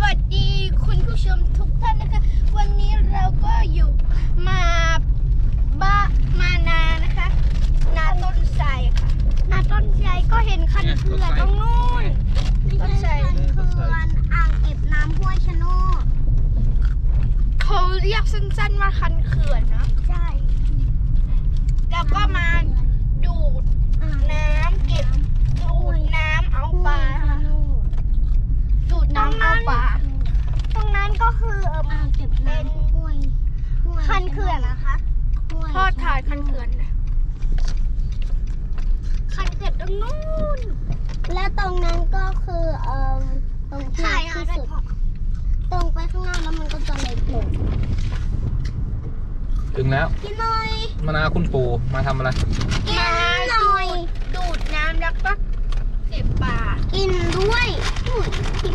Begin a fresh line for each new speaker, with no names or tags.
วัสดีคุณผู้ชมทุกท่านนะคะวันนี้เราก็อยู่มานานะคะนาต้นไทรค่ะนาต้นไทรก็เห็นคันเขื่อนตรงนู้นต้นไทร
เขื่อนอ่างเก็บน้ำห้วยชะโนด
เขาเรียกสั้นๆว่าคันเขื่อนเนาะ
ใช่
แล้วก็มาดูดน้ำเก็บดูดน้ำเอาปลาค่ะดูดน้ำเอาปลาตรงนั้นก็คือ
อ่างเก็บน้ำห้วย
คันเขื่อนนะคะทอดถ่ายคันเขื่อนนะคันเขื่อนตรงนู้น
และตรงนั้นก็คือตรงที่ที่สุดตรงไปข้างหน้าแล้วมันก็จะเล็กลง
ถึงแล้ว
กินหน่อย
มะนาวคุณปู่มาทำอะไร
กินหน่อย
ดูดน้ำแล้วก็เก็บปลา
กินด้วย